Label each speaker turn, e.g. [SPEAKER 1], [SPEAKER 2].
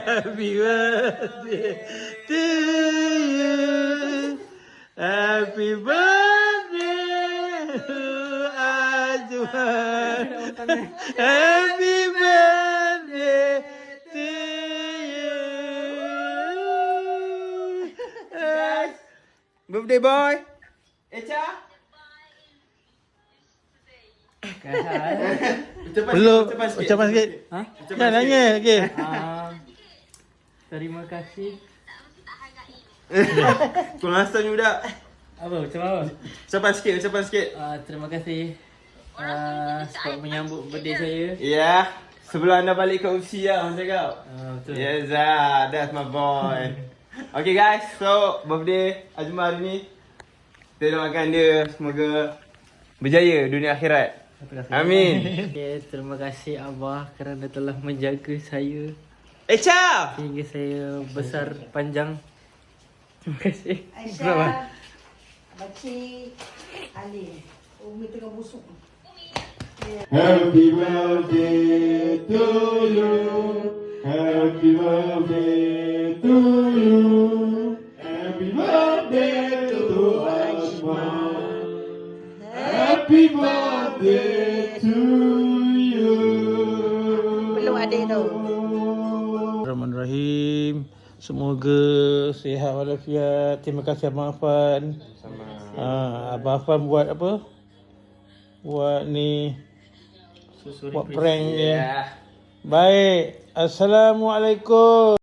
[SPEAKER 1] Happy birthday to you. Happy birthday to Azwan. Happy birthday to you. Birthday boy. Echa. Perlu ucapan sikit.
[SPEAKER 2] Ha?
[SPEAKER 1] Jangan nangis. Okey.
[SPEAKER 2] Terima kasih.
[SPEAKER 1] Kurang asal ni budak.
[SPEAKER 2] Apa? Macam apa?
[SPEAKER 1] Ucapan sikit.
[SPEAKER 2] Terima kasih sebab menyambut birthday saya.
[SPEAKER 1] Ya, sebelum anda balik ke UFC lah, Abang cakap.
[SPEAKER 2] Betul.
[SPEAKER 1] Yes, that's my boy. Okay guys, so birthday Azman hari ni. Kita doakan dia semoga berjaya dunia akhirat. Amin.
[SPEAKER 2] Okay, terima kasih Abah kerana telah menjaga saya
[SPEAKER 1] Echa!
[SPEAKER 2] sehingga saya besar panjang. Terima kasih.
[SPEAKER 3] Aisyah, Bakcik, Ali. Umi tengah busuk.
[SPEAKER 4] Happy birthday to you. Happy birthday to you. Happy birthday to Azman. Happy birthday to you.
[SPEAKER 3] Belum ada tu.
[SPEAKER 1] Bismillahirrahmanirrahim. Semoga sihat walafiat. Terima kasih Abang Afan. Sama. Abang Afan buat apa? Buat ni buat prank dia. Baik. Assalamualaikum.